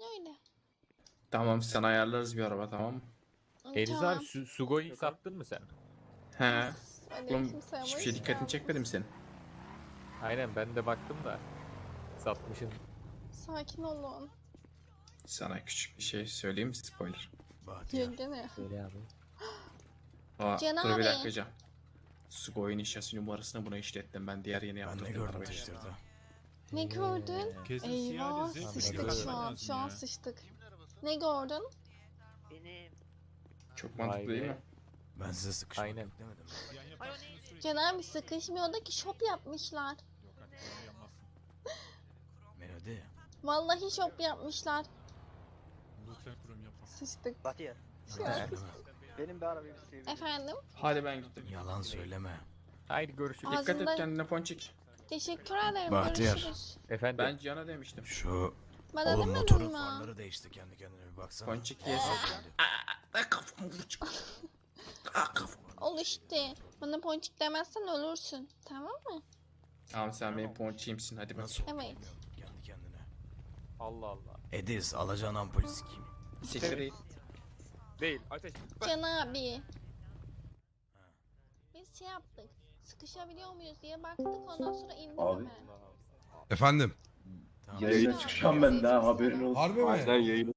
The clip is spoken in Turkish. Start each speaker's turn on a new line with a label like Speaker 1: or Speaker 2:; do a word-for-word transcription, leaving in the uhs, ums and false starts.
Speaker 1: Öyle.
Speaker 2: Tamam sen ayarlarız bir araba tamam mı?
Speaker 3: Eliza
Speaker 1: Tamam.
Speaker 3: abi su Sugo'yu sattın mı sen?
Speaker 2: He.
Speaker 1: Öyle
Speaker 2: Oğlum
Speaker 1: kimse ama
Speaker 2: hiçbir şey
Speaker 1: hiç
Speaker 2: dikkatini
Speaker 1: gelmedi.
Speaker 2: çekmedi mi senin?
Speaker 3: Aynen ben de baktım da. Satmışsın.
Speaker 1: Sakin olun.
Speaker 2: Sana küçük bir şey söyleyeyim mi spoiler?
Speaker 1: Yengene.
Speaker 3: Söyle abi.
Speaker 2: Aa,
Speaker 1: Can
Speaker 2: dur bir
Speaker 1: abi.
Speaker 2: dakika Can. Sugoy'un şasi numarasını buna işlettim ben diğer yeni
Speaker 4: Ben
Speaker 2: yaptığım
Speaker 4: ne gördüm
Speaker 2: arabayı.
Speaker 4: Twitter'da.
Speaker 1: Ne gördün?
Speaker 5: Kesin
Speaker 1: Eyvah
Speaker 5: siyah lezzetli
Speaker 1: sıçtık
Speaker 4: bir
Speaker 1: şu an.
Speaker 5: araba
Speaker 1: Şu an
Speaker 5: ya.
Speaker 1: sıçtık. Ne gördün?
Speaker 6: Benim.
Speaker 2: Çok mantıklı değil mi?
Speaker 4: Ben size sıkışmak
Speaker 3: Aynen.
Speaker 4: yok demedim.
Speaker 6: Ay o neydi?
Speaker 1: Can abi sıkışmıyor da ki shop yapmışlar.
Speaker 4: Melodi.
Speaker 1: Vallahi shop yapmışlar.
Speaker 5: Lütfen kurum yapma.
Speaker 1: Sıçtık.
Speaker 6: Bahtiyar.
Speaker 1: Şu an.
Speaker 4: Söyleme.
Speaker 6: Benim bir arabayı bir sevdim.
Speaker 1: Efendim?
Speaker 2: Hadi ben gittim.
Speaker 4: Yalan söyleme.
Speaker 3: Haydi görüşürüz.
Speaker 1: Ağzı-
Speaker 2: Dikkat et
Speaker 1: Ağzında-
Speaker 2: kendine Ponçik.
Speaker 1: Teşekkür ederim.
Speaker 4: Bahtiyar.
Speaker 1: Görüşürüz.
Speaker 3: Efendim.
Speaker 2: Ben Can'a demiştim.
Speaker 4: Şu
Speaker 1: Bana
Speaker 4: oğlum
Speaker 1: demedin
Speaker 4: motorun
Speaker 1: mi?
Speaker 4: farları değişti kendi kendine bir baksana.
Speaker 2: Ponçik yesin. Aa kafamı vur. Aa kafamı.
Speaker 1: Ol işte. Bana ponçik demezsen ölürsün. Tamam mı?
Speaker 2: Tamam sen benim Ponçik'imsin hadi bak.
Speaker 4: Nasıl oldu
Speaker 1: Evet.
Speaker 4: bilmiyorum kendi kendine.
Speaker 3: Allah Allah.
Speaker 4: Ediz alacağın ampul sikeyim.
Speaker 2: Siktir et.
Speaker 3: Değil. Ateş.
Speaker 1: Can abi. Biz şey yaptık. Sıkışabiliyor muyuz diye baktık ondan sonra indik
Speaker 7: Abi.
Speaker 1: hemen.
Speaker 8: Efendim.
Speaker 4: Tamam.
Speaker 7: Yayına çıkacağım ben daha haberin olsun.
Speaker 8: Harbi mi?
Speaker 7: Sen yayına